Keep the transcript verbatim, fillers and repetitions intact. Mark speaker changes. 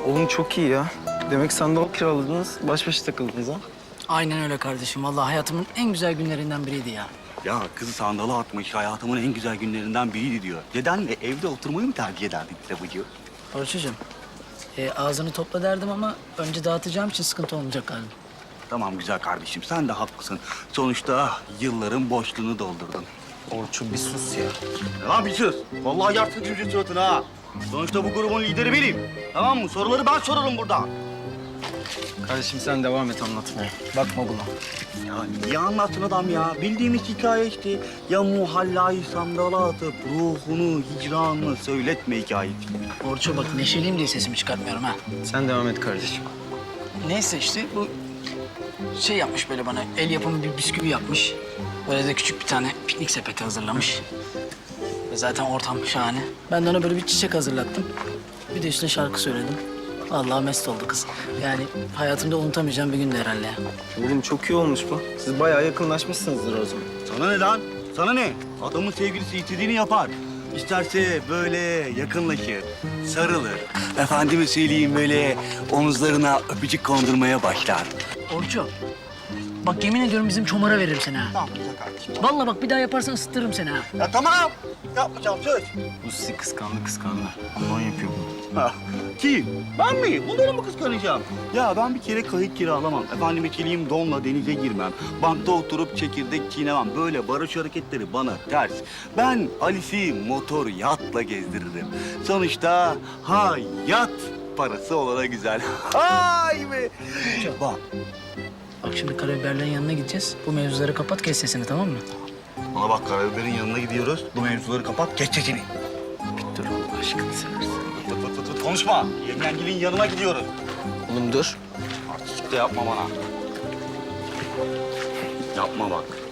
Speaker 1: Oğlum çok iyi ya. Demek sandal kiraladınız, baş başa takıldınız ha?
Speaker 2: Aynen öyle kardeşim. Vallahi hayatımın en güzel günlerinden biriydi ya.
Speaker 3: Ya kızı sandala atmış hayatımın en güzel günlerinden biriydi diyor. Dedenle evde oturmayı mı tercih ederdin Trabıcı?
Speaker 2: Orçucuğum, e, ağzını topla derdim ama önce dağıtacağım için sıkıntı olmayacak galiba.
Speaker 3: Tamam güzel kardeşim sen de haklısın. Sonuçta yılların boşluğunu doldurdun.
Speaker 1: Orçun bir sus ya.
Speaker 3: Lan bir sus. Vallahi yarsın cümle suratına ha. Sonuçta bu grubun lideri benim. Tamam mı? Soruları ben sorarım burada.
Speaker 1: Kardeşim sen devam et anlatmaya. Bakma buna.
Speaker 3: Ya niye anlatsın adam ya? Bildiğimiz hikaye işte. Ya muhallayı sandala atıp ruhunu, hicranını söyletme hikayesi.
Speaker 2: Orçu bak neşeliyim diye sesimi çıkartmıyorum ha.
Speaker 1: Sen devam et kardeşim.
Speaker 2: Neyse işte bu şey yapmış böyle bana, el yapımı bir bisküvi yapmış. Böyle de küçük bir tane piknik sepeti hazırlamış. Ve zaten ortam şahane. Ben de ona böyle bir çiçek hazırlattım. Bir de üstüne şarkı söyledim. Vallahi mest oldu kız. Yani hayatımda unutamayacağım bir gündü herhalde ya.
Speaker 1: Oğlum çok iyi olmuş bu. Siz bayağı yakınlaşmışsınızdır o zaman.
Speaker 3: Sana ne lan? Sana ne? Adamın sevgilisi istediğini yapar. İsterse böyle yakınlaşır, sarılır. Efendime söyleyeyim böyle omuzlarına öpücük kondurmaya başlar.
Speaker 2: Orçu, bak yemin ediyorum bizim çomara veririm seni ha.
Speaker 3: Tamam güzel kardeşim.
Speaker 2: Vallahi bak bir daha yaparsan ısıtırırım seni ha.
Speaker 3: Ya tamam. Yapmayacağım söz.
Speaker 1: Bu sizi kıskandı kıskandı. Ondan yapıyor bunu.
Speaker 3: Ha, kim? Ben mi? Bunları mı kıskanacağım? Ya ben bir kere kayık kiralamam. Efendime söyleyeyim donla denize girmem. Bankta oturup çekirdek çiğnemem. Böyle barış hareketleri bana ters. Ben Alice'i motor yatla gezdiririm. Sonuçta hayat parası olana güzel. Hay be! Bak.
Speaker 2: Bak şimdi karabiberlerin yanına gideceğiz. Bu mevzuları kapat, kes sesini, tamam mı?
Speaker 3: Bana bak karabiberin yanına gidiyoruz. Bu mevzuları kapat, geç sesini.
Speaker 1: Dur Allah aşkını seversen.
Speaker 3: Fıt fıt fıt fıt konuşma. Yengengilin yanına gidiyoruz.
Speaker 1: Oğlum dur.
Speaker 3: Artistlik de yapma bana. Yapma bak.